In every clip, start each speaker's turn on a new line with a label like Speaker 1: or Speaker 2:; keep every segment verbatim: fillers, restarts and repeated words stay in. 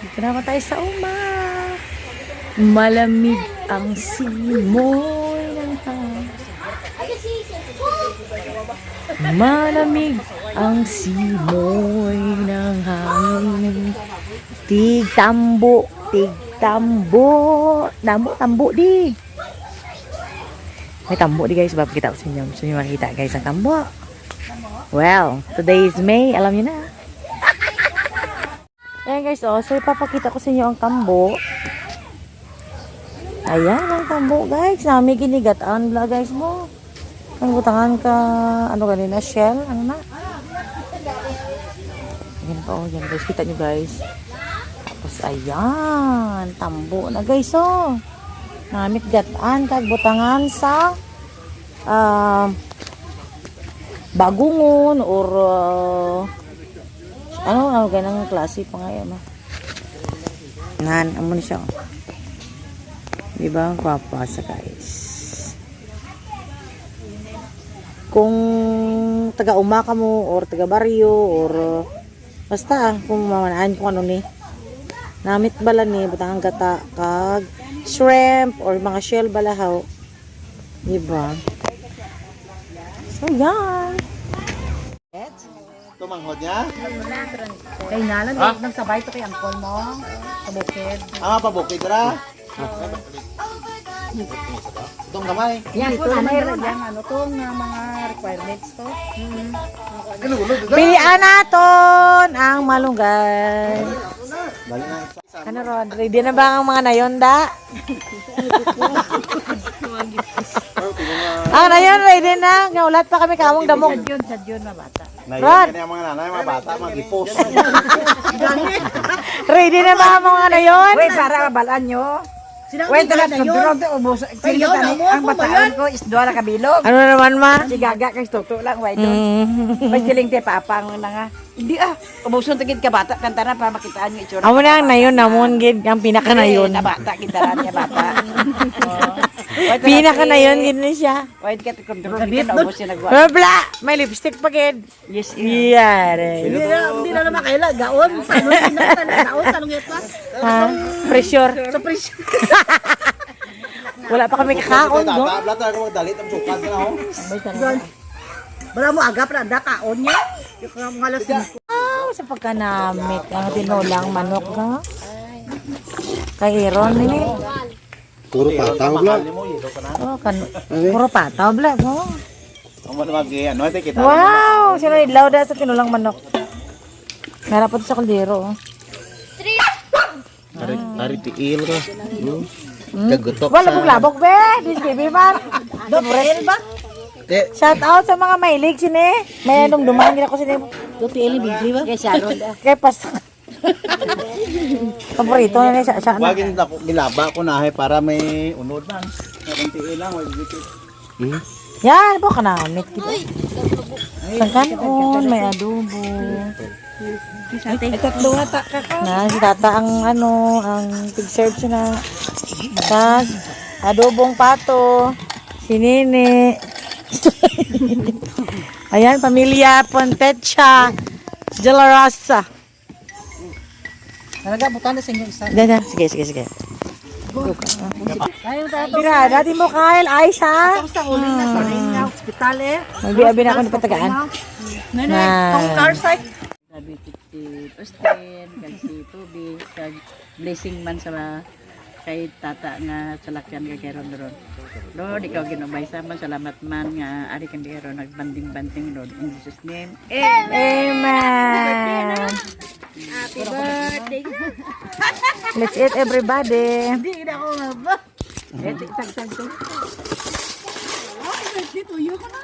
Speaker 1: Dito naman tayo sa uma. Malamig ang simoy ng hangin. Malamig ang simoy ng hangin. Tig-tambo, tig-tambo. Tambo, tambo di. May tambo di guys. Bakit kita ko sa inyo. Gusto nyo makita guys ang tambo. Well, today is May. Alam niyo na. Ayan guys, oh. So ipapakita ko sa inyo ang tambo. Ayan ang tambo guys. Nami ginigataan bla guys mo. Ang butangan ka, ano ganina, shell, ano na. Ayan pa, oh. Yan guys, kita nyo guys. Tapos ayan, tambo na guys, oh. Namit gataan, kag butangan sa uh, bagungon or uh, ano, ano ganang klase pa ngayon, no? Nan, amo na siya, oh. Diba, papasa guys. Kung taga-uma ka mo or taga-baryo or uh, basta kung mamanaan kung ano ni namit bala ni butang gata kag shrimp or mga shell balahaw, diba? So yan
Speaker 2: tumanghod niya?
Speaker 1: kay nalan ah? Nagsabay to kay angkol mo sa bukid.
Speaker 2: Ah, pabukid ra? Itong gamay.
Speaker 1: Yan po, mayroon yan. Ano to, nga mga requirements to. Mm-hmm. Pilian natin ang malunggay. Ano ron, ready na ba ang mga nayon da? Ah, nayon, ready na. Ngaulat pa kami kamong damog. Sa June, sa June na bata.
Speaker 2: Rod! Nayon mga nanay, mga bata, mga gipos.
Speaker 1: Ready na ba ang mga nayon?
Speaker 3: Wait, para mabalaan nyo. Wait, talaga na yun. Sige, tani, ang bataan ko is doon na kabilog.
Speaker 1: Ano naman ma?
Speaker 3: Si Gaga kay Toto lang, wait doon. May siling te papang na nga. Hindi ah, ubuson tagid ka bata, kanta na para makitaan yung itsura.
Speaker 1: Amo na ang nayon namon gid ang pinaka nayon.
Speaker 3: Na bata, kintaran niya bata.
Speaker 1: Pinaka nayon gid ni siya.
Speaker 3: Wait ka, kontrol ka na ubos yung nagwa.
Speaker 1: Bla, may lipstick pa gid.
Speaker 3: Yes,
Speaker 1: Yare.
Speaker 4: Hindi na naman kaila, gaon. Sa ano yung gaon, sa anong ito?
Speaker 1: Ha? Pressure.
Speaker 4: Sa presyo.
Speaker 1: Wala pa kami kakaon, no?
Speaker 2: Tabla talaga magdalit ang sukad na ho.
Speaker 4: Bala mo agap na, da kaon niya. Yung mga alas cinco.
Speaker 1: Wow, sa pagkanamit ang tinulang manok na. Kay Aaron ni.
Speaker 2: Puro pataw bla.
Speaker 1: Oh, kan puro pataw bla mo.
Speaker 2: Ang mga mag ano ito kita.
Speaker 1: Wow, sino idlaw da sa tinulang manok. Meron pa sa kaldero.
Speaker 2: Ari ari tiil ka. Kagutok sa.
Speaker 1: Wala pong labok be, this baby man. Dobrel ba? Shout out sa mga mailig sini. May anong dumaan gina ko sini.
Speaker 4: Tuti ili bigli ba?
Speaker 3: Kay Sharon da.
Speaker 1: Kay pas. Paborito na ni sa sa.
Speaker 2: Wagin na gilaba ko na para may unod man. Kung tiil lang wag dikit. Hmm.
Speaker 1: Yan po kanamit kita. Sa kanon may adobo.
Speaker 3: Ay, tatlo nga ta ka.
Speaker 1: Na si tata ang ano, ang pig-serve siya na tag adobong pato, si Nene. Ayan, pamilya Pontecha, De La Rosa.
Speaker 4: Talaga, butan na sa inyo isa.
Speaker 1: Diyan, diyan. Sige, sige, sige. Bira, dati mo Kyle, Aisha.
Speaker 4: Tapos sa uling na sa rin na hospital eh.
Speaker 1: Magbi-abi na ako ni patagaan.
Speaker 4: Nene,
Speaker 1: Na-
Speaker 4: kung car site.
Speaker 3: Sabi si Austin, kag si Toby, kag blessing man sa kay tata nga salakyan kay Keron ron. Lord, ikaw ginubay sa man, salamat man nga ari kan Keron nagbanding-banding Lord in Jesus name. Amen.
Speaker 1: Amen.
Speaker 3: Happy birthday.
Speaker 1: Let's eat everybody.
Speaker 4: Hindi na ako nga ba?
Speaker 3: Eh, tag-tag to.
Speaker 4: Dito, yun ka na.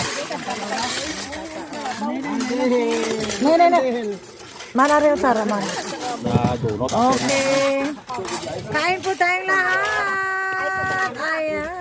Speaker 1: No, no, no. Mana rin Sara man.
Speaker 2: Na donut.
Speaker 1: Okay. Kain po tayong lahat. Ayan.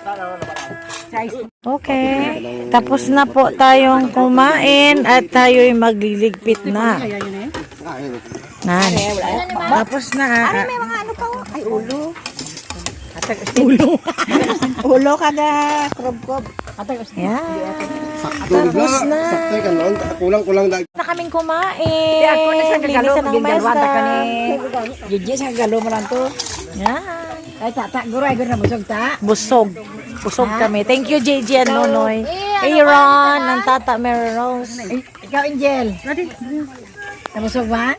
Speaker 1: Okay. Tapos na po tayong kumain at tayo'y magliligpit na. Nan. Tapos na. Ay, may mga ano pa. Ay, ulo. Ulo.
Speaker 3: Ulo kada krob-krob.
Speaker 1: Yan. Tapos na.
Speaker 2: Sakto ka lang, kulang-kulang dag.
Speaker 1: kaming kumain.
Speaker 3: Di ako na sa kagalo,
Speaker 1: Linisan ng
Speaker 3: gindarwata
Speaker 1: mesa.
Speaker 3: ka ni Gigi sa kagalo mo lang to.
Speaker 1: Yan.
Speaker 3: Ay, tata, guray, guray na busog ta.
Speaker 1: Busog. Busog kami. Thank you, J J and Nonoy. Aaron, ng Tata Mary Rose.
Speaker 3: Ikaw, Angel. Nabusog ba?